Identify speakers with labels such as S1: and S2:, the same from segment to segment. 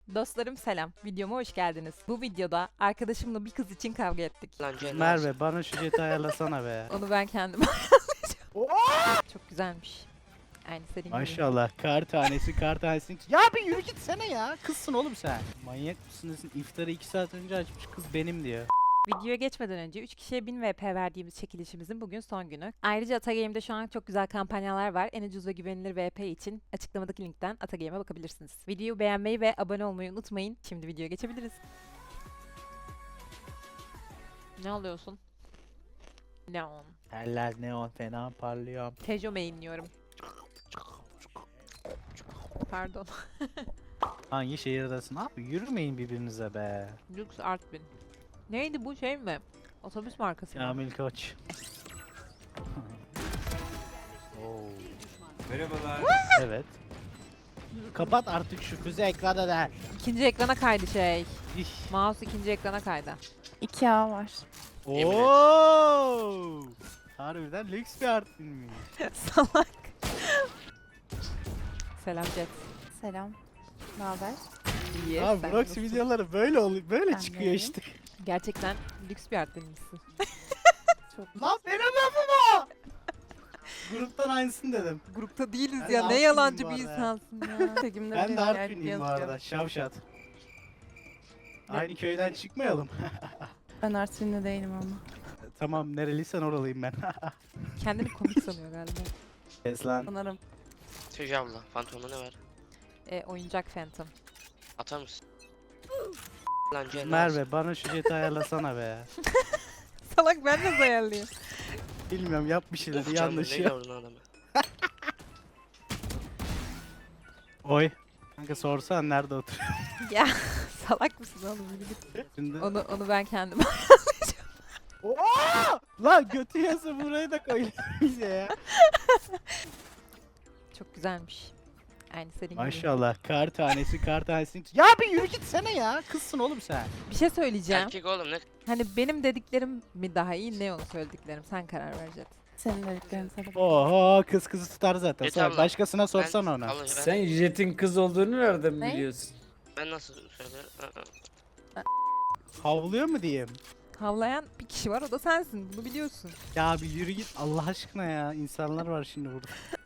S1: Dostlarım selam. Videoma hoş geldiniz. Bu videoda arkadaşımla bir kız için kavga ettik.
S2: Lan Cenaz.
S3: Merve bana şu jeti ayarlasana be.
S1: Onu ben kendim ayarlayacağım. Çok güzelmiş. Aynı senin gibi.
S3: Maşallah kar tanesi kar tanesi. Ya bir yürü gitsene ya. Kızsın oğlum sen. Manyak mısın desin. İftarı 2 saat önce açmış kız benim diyor.
S1: Videoya geçmeden önce 3 kişiye 1000 VP verdiğimiz çekilişimizin bugün son günü. Ayrıca Atagame'de şu an çok güzel kampanyalar var. En ucuz ve güvenilir VP için açıklamadaki linkten Atagame'e bakabilirsiniz. Videoyu beğenmeyi ve abone olmayı unutmayın. Şimdi videoya geçebiliriz. Ne alıyorsun? Neon.
S3: Eller neon fena parlıyor.
S1: Tejo mainliyorum. Pardon.
S3: Hangi şehirdesin abi? Yürümeyin birbirinize be.
S1: Lux Artvin. Neydi bu şey mi? Otobüs markası mı?
S3: Kamil Koç. Oo.
S4: Merhabalar.
S3: Evet. Kapat artık şu füze ekrana da.
S1: İkinci ekrana kaydı şey.
S3: İh.
S1: Mouse ikinci ekrana kaydı.
S5: 2A var.
S3: Oo. Harbiden lüks bir artvinmiş.
S1: Salak. Selam Jet.
S5: Selam. Ne haber?
S1: İyi.
S3: Abi
S1: sen
S3: Brox
S1: nasılsın?
S3: videoları böyle oluyor. Böyle
S5: Ben de
S3: çıkıyor
S5: iyiyim.
S3: işte.
S1: Gerçekten lüks bir artvinmişsin.
S5: Çok
S3: Lan benim lafım o. Gruptan aynısını dedim.
S1: Grupta değiliz
S3: Ben
S1: ya.
S3: de
S1: Ne
S3: Artvinliyim
S1: yalancı
S3: bu
S1: bir
S3: arada.
S1: insansın ya.
S5: çekimde
S3: Ben de Artvinliyim bu arada. Şavşat.
S5: Ne?
S3: Aynı köyden çıkmayalım.
S5: Ben Artvin'de değilim ama.
S3: Tamam nereliysen oralıyım ben.
S1: Kendini komik sanıyor galiba.
S3: Kes lan.
S5: Sanırım.
S2: Tüccar abla. Fantomda ne var?
S1: Oyuncak Phantom.
S2: Atar mısın? Lan Cenaz.
S3: Merve bana şu jeti ayarlasana be.
S1: Salak ben de ayarlayayım.
S3: Bilmiyorum yap bir şeyler
S2: Of
S3: yanlış
S2: canım,
S3: ya.
S2: ne gördün adamı?
S3: Oy. Kanka sorsan nerede oturuyor?
S1: Ya salak mısın oğlum? Yürü git.
S3: Şimdi...
S1: Onu ben kendim
S3: Oo! Lan götü yasa burayı da koy bize ya.
S1: Çok güzelmiş. Aynı senin gibi.
S3: Maşallah kar tanesi kar tanesi. Ya bir yürü gitsene ya. Kızsın oğlum sen.
S1: Bir şey söyleyeceğim.
S2: Erkek oğlum ne?
S1: Hani benim dediklerim mi daha iyi, ne onu söylediklerim? Sen karar vereceksin.
S5: Senin dediklerin sana.
S3: Oho kız kızı tutar zaten.
S2: Jet
S3: Sor,
S2: abla,
S3: başkasına sorsan
S2: Ben-
S3: ona.
S2: abla,
S4: Sen Jet'in kız olduğunu nereden
S5: Ne?
S4: biliyorsun?
S2: ben nasıl söylüyorum?
S3: Havlıyor mu diyeyim?
S1: Havlayan bir kişi var, o da sensin. Bunu biliyorsun.
S3: Ya bir yürü git Allah aşkına ya. İnsanlar var şimdi burada.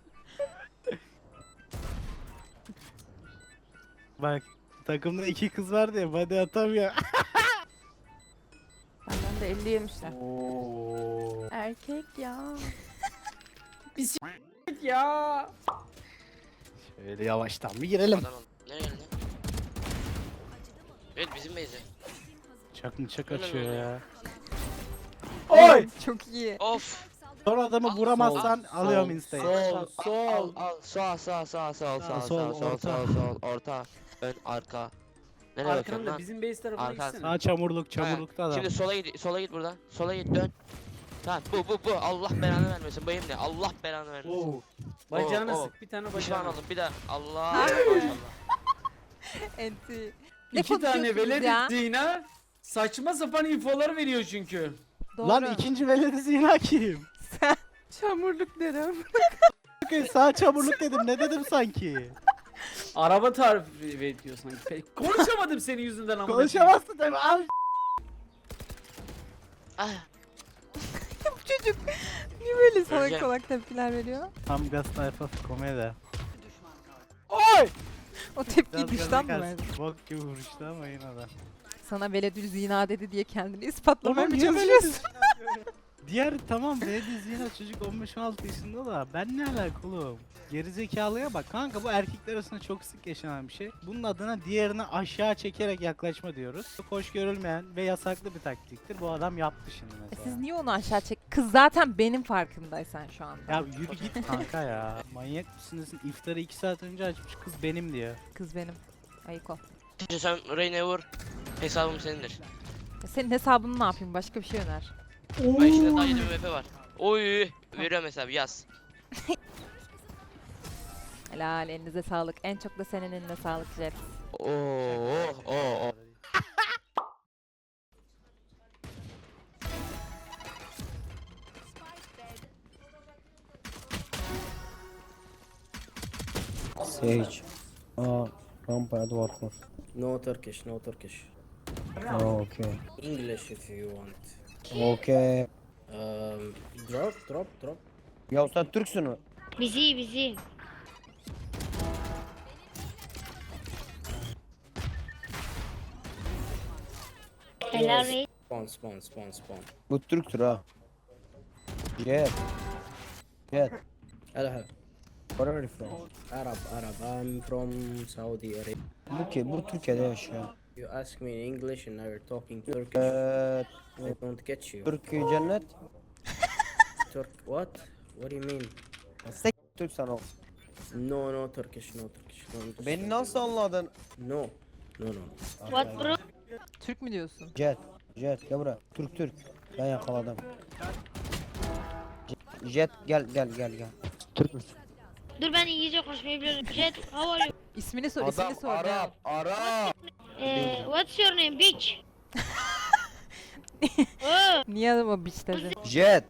S3: Bak takımda 2 kız var diye body atamıyor.
S5: Benden de 50 yemişler.
S3: Oo.
S5: Erkek ya.
S4: Ya.
S3: Şöyle yavaştan bir girelim.
S2: Adam ol. Nereye geldi? Evet bizim beyze.
S3: Çak mı çak açıyor ya.
S4: Oy.
S1: Çok iyi.
S2: Of.
S3: Son adamı vuramazsan alıyorum insta'yı.
S4: Sol, sol.
S2: Al. Sağ.
S3: Sol,
S2: Sol.
S3: orta.
S2: Orta. Ön arka. Nereye bakıyorsun
S4: Arkanda
S2: lan?
S4: bizim base tarafına
S2: Arkan.
S4: gitsene.
S3: Sağ çamurlukta adam.
S2: Şimdi sola git buradan. Sola git dön. Tamam bu. Allah belanı vermesin. Bayım ne? Allah belanı vermesin.
S4: Oo. Bacağına
S2: Oo.
S4: sık bir tane
S2: Pişman
S4: bacağına.
S2: oldum bir daha. Allah. Maşallah.
S1: Enti. Ne
S4: İki tane
S1: konuşuyorsunuz
S4: velet
S1: ya?
S4: ettiğine saçma sapan infolar veriyor çünkü.
S1: Doğru.
S3: Lan ikinci veledi zina kim?
S1: Sen.
S5: Çamurluk derim.
S3: Bakın sağ çamurluk dedim ne dedim sanki?
S4: Araba tarifi ediyor sanki. Konuşamadım senin yüzünden ama.
S3: Konuşamazsın tabii al.
S2: Ah.
S1: Bu çocuk niye böyle salak
S2: Öleceğim.
S1: salak tepkiler veriyor?
S3: Tam gaz tayfa komedi.
S1: O tepkiyi
S3: Biraz
S1: dıştan
S3: gaza
S1: mı
S3: gelsin.
S1: verdi?
S3: Bok gibi vuruştu ama yine de.
S1: Sana veledül zina dedi diye kendini ispatlamaya mı
S3: niye böyle
S1: çalışıyorsun?
S3: Diğer tamam veledi zina çocuk 15-16 yaşında da ben ne alakalı oğlum? Gerizekalıya bak kanka bu erkekler arasında çok sık yaşanan bir şey. Bunun adına diğerini aşağı çekerek yaklaşma diyoruz. Çok hoş görülmeyen ve yasaklı bir taktiktir. Bu adam yaptı şimdi mesela.
S1: Siz niye onu aşağı çek? Kız zaten benim farkındaysan şu anda.
S3: Ya yürü git kanka ya. Manyak mısınız? İftarı 2 saat önce açmış kız benim diyor.
S1: Kız benim. Ayık ol.
S2: Şimdi sen Reyna'ya vur. Hesabım senindir.
S1: Ya senin hesabını ne yapayım? Başka bir şey öner.
S2: Bak içinde daha 7 MP var. Oy. Veriyorum hesabı yaz.
S1: Helal, elinize sağlık. En çok da senin eline sağlık Jet.
S2: Oo.
S6: Sage. Aa, rampaya duvar kur. No Turkish, no Turkish.
S7: Okay.
S6: English if you want.
S7: Okay.
S6: Drop.
S7: Ya sen Türksün mü?
S8: Bizi. Helal reis.
S6: Spawn.
S7: Bu Türktür ha. Jet. Jet.
S6: Hello.
S7: Where are you from?
S6: Arab. I'm from Saudi Arabia.
S7: Bu Türkiye'de yaşıyor.
S6: You ask me in English and now you're talking Turkish. I don't get you.
S7: Türkiye cennet.
S6: What? What do you mean?
S7: Türk sen ol.
S6: No Turkish. Don't
S7: Beni nasıl anladın?
S6: No.
S8: What bro?
S1: Türk mü diyorsun?
S7: Jet. Gel buraya. Türk. Ben yakaladım. Jet gel. Türk müsün?
S8: Dur ben İngilizce konuşmayı biliyorum. Jet, how are you?
S1: İsmini sor, ismini sor. ya.
S7: Arap.
S8: What's your name bitch? Oh,
S1: Niye adama bitch dedin?
S7: Jet.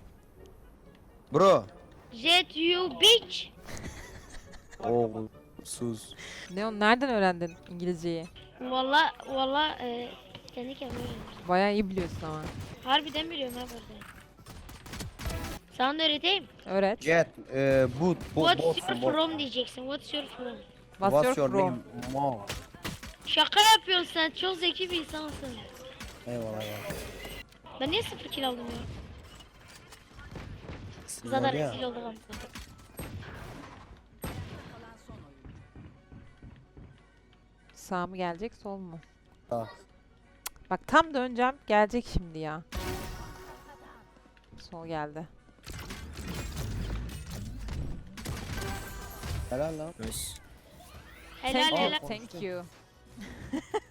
S7: Bro.
S8: Jet you bitch.
S7: Oğlum sus.
S1: Ne o, nereden öğrendin İngilizceyi?
S8: Valla kendi kendime öğrendim.
S1: Bayağı iyi biliyorsun ama.
S8: Harbiden biliyorum ha burada. Sana da öğreteyim.
S1: Öğret.
S7: Jet. Boot.
S8: What's your from diyeceksin. What's your from?
S1: What's your from?
S7: name? Mom.
S8: Şaka yapıyorsun sen. Çok zeki bir insansın.
S7: Eyvallah ya.
S8: Ben niye 0 kill aldım ya?
S7: Sizin
S8: Zaten
S7: var ya.
S8: rezil oldum ama.
S1: Sağ mı gelecek, sol mu?
S7: Sağ.
S1: Bak tam döneceğim, gelecek şimdi ya. Sol geldi.
S7: Helal lan.
S6: Nice.
S8: Helal
S1: Thank you.
S8: helal.
S1: Thank you.